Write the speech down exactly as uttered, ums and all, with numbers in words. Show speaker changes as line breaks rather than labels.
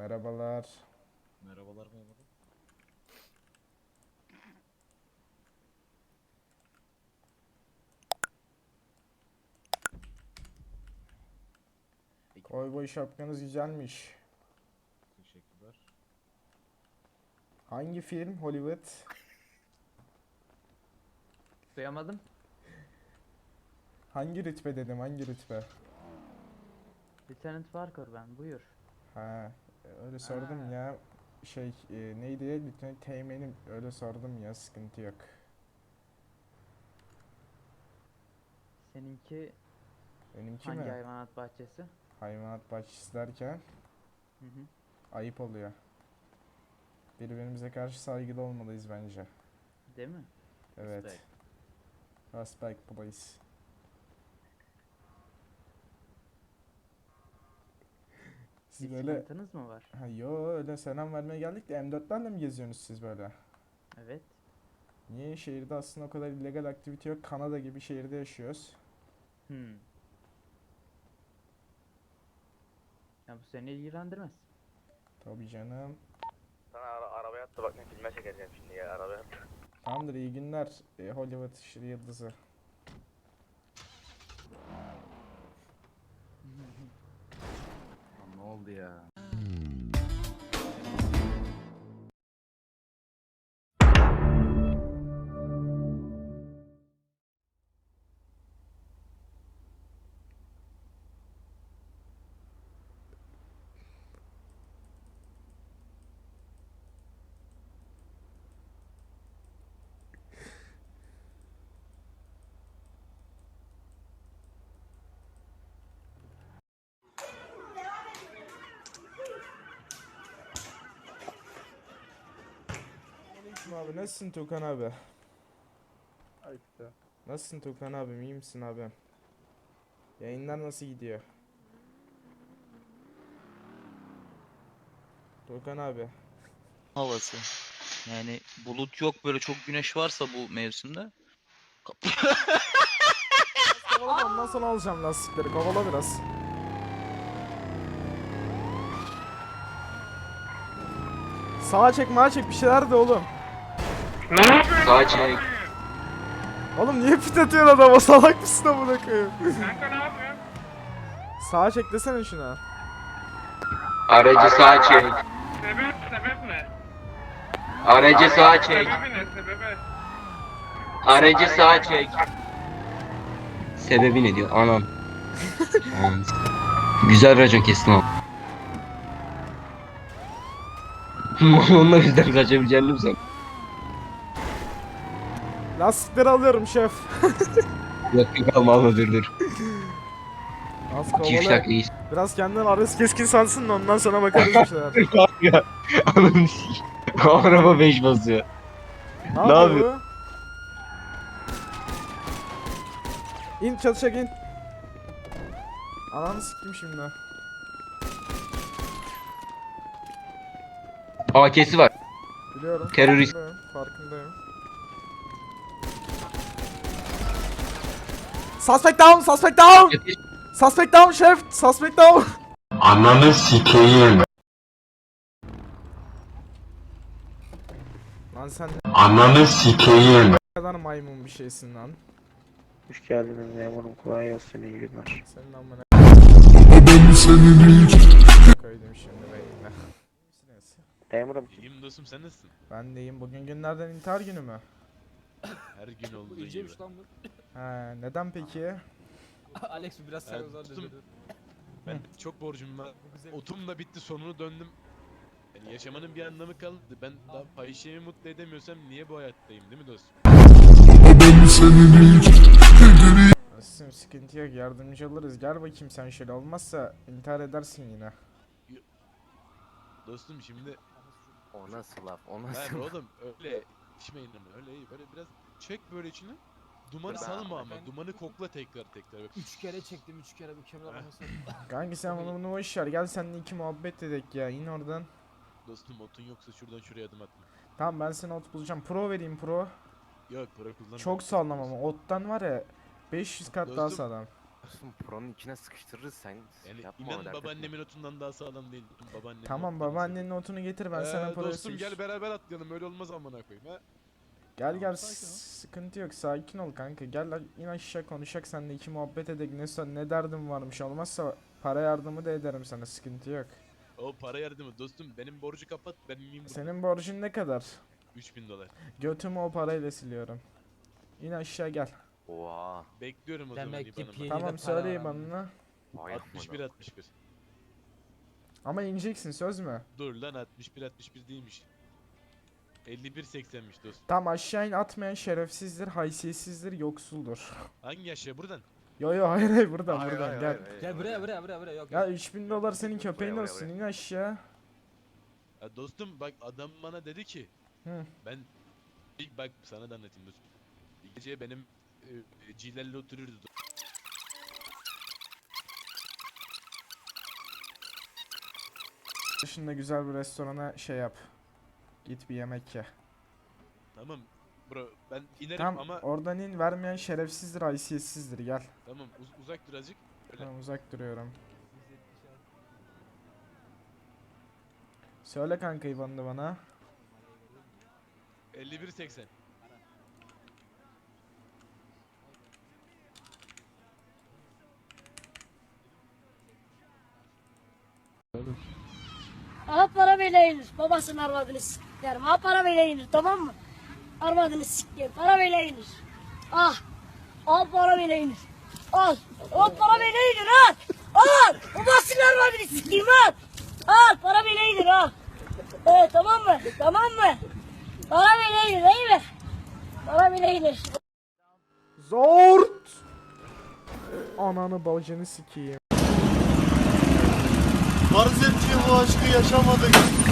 Merhabalar.
Merhabalar memur. Ekip
Kovboy şapkanız güzelmiş.
teşekkürler.
Hangi film? Hollywood.
Duyamadım.
Hangi rütbe dedim, hangi rütbe?
Lieutenant Parker ben, buyur.
Ha, öyle sordum
Ha.
ya. Şey, e, neydi? Lütfen teğmenim, öyle sordum ya, sıkıntı yok.
Seninki
Benimki
hangi
mi?
hayvanat bahçesi?
Hayvanat bahçesi derken
Hı hı.
ayıp oluyor. Birbirimize karşı saygılı olmalıyız bence.
Değil mi?
Evet.
Respect.
Respect please. Siz
Bir
böyle...
sıkıntınız mı var?
Ha, yo, öyle selam vermeye geldik de M dörtlerle mi geziyorsunuz siz böyle?
Evet.
Niye şehirde aslında o kadar illegal aktivite yok? Kanada gibi şehirde yaşıyoruz.
Hmm. Ya bu seni ilgilendirmez.
Tabii canım.
Sana ara arabaya attı bak ne filme çekeceğim şimdi ya arabaya attı.
Tamamdır, iyi günler. E, Hollywood işi yıldızı.
Lan ne oldu ya?
Aleyküm abi, nasılsın Tukan abi?
İşte.
Nasılsın Tukan abi, iyi misin abi? Yayınlar nasıl gidiyor? Tukan abi.
Havası. Yani bulut yok, böyle çok güneş varsa bu mevsimde.
Kovala, ondan sonra alacağım lastikleri, kovala biraz. Sağa çek, mağa çek, bir şeyler de oğlum.
Sağa çek.
Oğlum niye pit atıyorsun adama, salak mısın amına koyayım?
Kanka ne yapıyorsun?
Sağa çek desene şuna.
Aracı sağa çek.
Sebep, sebep ne?
Aracı sağa çek.
Sebebi ne, sebebi?
Aracı sağa çek. Sebebi ne diyor? Anam. Anam. Güzel racon kestin o. Onunla bizden kaçabileceğini mi sen?
Lastikleri alıyorum şef.
Yok yok alma alma dur dur.
Az
iki üç
kovala.
dakika iyi.
Biraz kendinden arası keskin sansın da ondan sonra bakarız bir şeyler.
Ya anam s***. Araba beş basıyor.
Ne
Ne
yapıyor bu? İn, çalışacak in. Ananı siktim şimdi.
A K'si var.
Biliyorum.
Terörist.
Farkındayım. Farkındayım. Suspect down! Suspect down! Suspect down şef! Suspect down!
Ananı sikeyim.
Lan sen ne
Ananı sikeyim.
kadar maymun bir şeysin lan.
Hoş geldiniz memurum kolay gelsin iyi günler.
Senin amına koydum şimdi beynine.
Memurum
İyiyim dostum, sen nasılsın?
Ben deyim, bugün günlerden intihar günü mü?
Her gün olduğu gibi.
İyiceymiş lan bu.
He, neden peki?
Alex bu biraz
Evet,
sen uzan
tuttum.
dedi.
Ben çok borcum var. Otum da bitti, sonunu döndüm. Yani yaşamanın bir anlamı kaldı. Ben daha fahişeyi mutlu edemiyorsam niye bu hayattayım, değil mi dostum?
Nasılsın, sıkıntı yok, yardımcı oluruz. Gel bakayım sen şöyle, olmazsa intihar edersin yine.
Dostum şimdi
O nasıl laf o
ben oğlum öyle içmeyin ama öyle iyi, böyle biraz çek böyle içine. Dumanı
Ben-
salma ama
ben-
dumanı kokla tekrar tekrar.
Üç kere çektim üç kere bir kemir almasın.
Kanki sen bunu bunu boş ver, gel seninle iki muhabbet edek ya, in oradan.
Dostum otun yoksa şuradan şuraya adım atma.
Tamam, ben sana ot bulacağım, pro vereyim, pro.
Yok para kullanma.
Çok sağlam ama ottan var ya beş yüz kat daha
Dostum,
sağlam.
Dostum Pro'nun içine sıkıştırırız sen.
Yani
yapma
inan
dert etme.
babaannemin otundan daha sağlam değil. Babaannemin
Tamam
otundan
babaannenin notunu getir ben
Ee,
sana parası
dostum gel beraber atlayalım öyle olmaz amına koyayım ha.
Gel gel
sakin ol.
sıkıntı yok sakin ol kanka gel lan, in aşağı konuşak seninle iki muhabbet edek ne, so- ne derdim varmış olmazsa para yardımı da ederim sana sıkıntı yok.
O para yardımı dostum benim borcu kapat ben miyim burada?
Senin borcun ne kadar?
üç bin dolar.
Götümü o parayla siliyorum. İn aşağı gel.
Oha.
Bekliyorum o
Demek
zaman
ki
IBAN'ımı.
pi- İyi de
Tamam
para
söyle
var ama.
bana.
Vay
altmış bir
amına.
altmış bir.
Ama ineceksin söz mü?
Dur lan altmış bir altmış bir değilmiş. elli bir seksenmiş dostum.
Tam aşağı in atmayan şerefsizdir, haysiyetsizdir, yoksuldur.
Hangi yaşa buradan?
Yo yo hayır hayır buradan
Hayır,
buradan
hayır,
gel.
hayır, hayır.
Gel buraya buraya buraya buraya yok.
Ya
yok.
üç bin dolar senin köpeğin
buraya,
olsun
buraya.
in aşağı.
Ya dostum bak adam bana dedi ki
Hı.
ben ilk bak sana da anlatayım dostum. İlk gece benim e, e, Cilerle oturuyoruz.
Dışında güzel bir restorana şey yap. Git bir yemek ye.
Tamam bro ben inerim
Tamam
ama
oradan in vermeyen şerefsizdir, haysiyetsizdir gel.
tamam uz- uzak dur azıcık. Öyle.
Tamam uzak duruyorum. Söyle kanka İvan'ı bana.
elli bir seksen.
Aha para böyle inir. Babasının arvadını siklerim. Aha para böyle inir tamam mı? Arvadını siklerim. Para böyle inir. Ah. Al para böyle inir. Al. Al para böyle inir al. Al. Babasının arvadını sikeyim al. Al para böyle inir al. Evet tamam mı? Tamam mı? Para böyle inir değil mi? Para böyle inir.
Zort! Ananı bacını sikeyim.
Farz et ki bu aşkı yaşamadık.